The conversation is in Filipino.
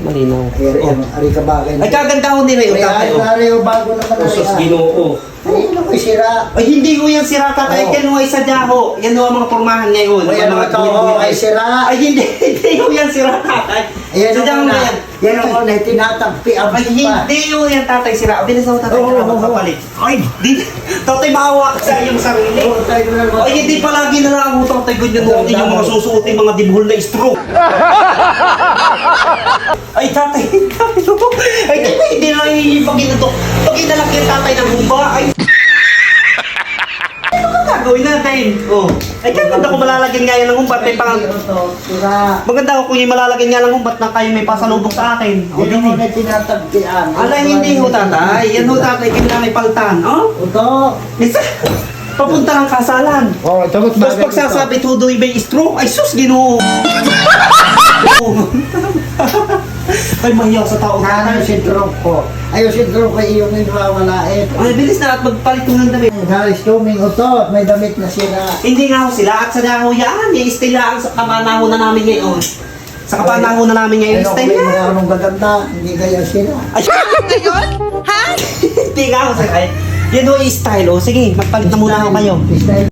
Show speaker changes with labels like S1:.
S1: malinaw.
S2: Ari ka bagay.
S1: Ay, kaganda ko nila yung tatay.
S2: Ari o bago naman.
S1: Usos ginoo.
S2: Ay, ano ko sira?
S1: Ay, hindi ko yan sira tatay. Yan ay sadya ho. Yan ang mga pormahan ngayon.
S2: Ayan o ito, ay sira.
S1: Ay, hindi ko yan sira tatay.
S2: Ayan
S1: Sadya
S2: o
S1: mo
S2: na.
S1: yan.
S2: Yan o na, tinatagpi ang
S1: Ay, hindi ko yan tatay sira. Bilis ako tatay. Magpapalit. Ay, di. Tatay, mahawa ka sa iyong sarili. Ay, hindi palagi na lang ang utang tayo ganyan noon yung mga susuotin mga dibuhol na stroke. Ay, tatay. Ay, tatay, hindi na lang yung ito. Pag inalak yung tatay ng humba, ay. Ano ka gagawin natin? Oh. Ay, maganda ko malalagyan nga yan ng humbat. Maganda ko kung yung malalagyan nga ng humbat na kayo may pasalubong sa akin. O,
S2: Yan o na tinatagpian.
S1: ala, hindi ho tatay. Yan ho tatay, kailangan may paltan. Oh?
S2: Ito.
S1: Isa, papunta ng kasalan.
S2: Oh, tapos
S1: Tapos pagsasabi, tudoy may stroke, ay sus, ginoo. Ay, mahiyaw sa tao.
S2: Ano si Drog ko? Ayaw si Drog ko iyong inwawalain.
S1: Ay, bilis na at magpalit ko ng damit.
S2: Haris tuming uto, may damit na sira.
S1: Hindi nga ho sila at sa daho yan. Yung style lang sa kapanahon na namin ngayon. Sa kapanahon na namin ngayon,
S2: Ano
S1: style
S2: kung may
S1: na.
S2: mga gaganda, hindi kaya sira.
S1: Ay, ngayon? Ha? Hindi nga ho sila. Yan ho yung style. O, sige, magpalit na muna ako kayo.
S2: Style.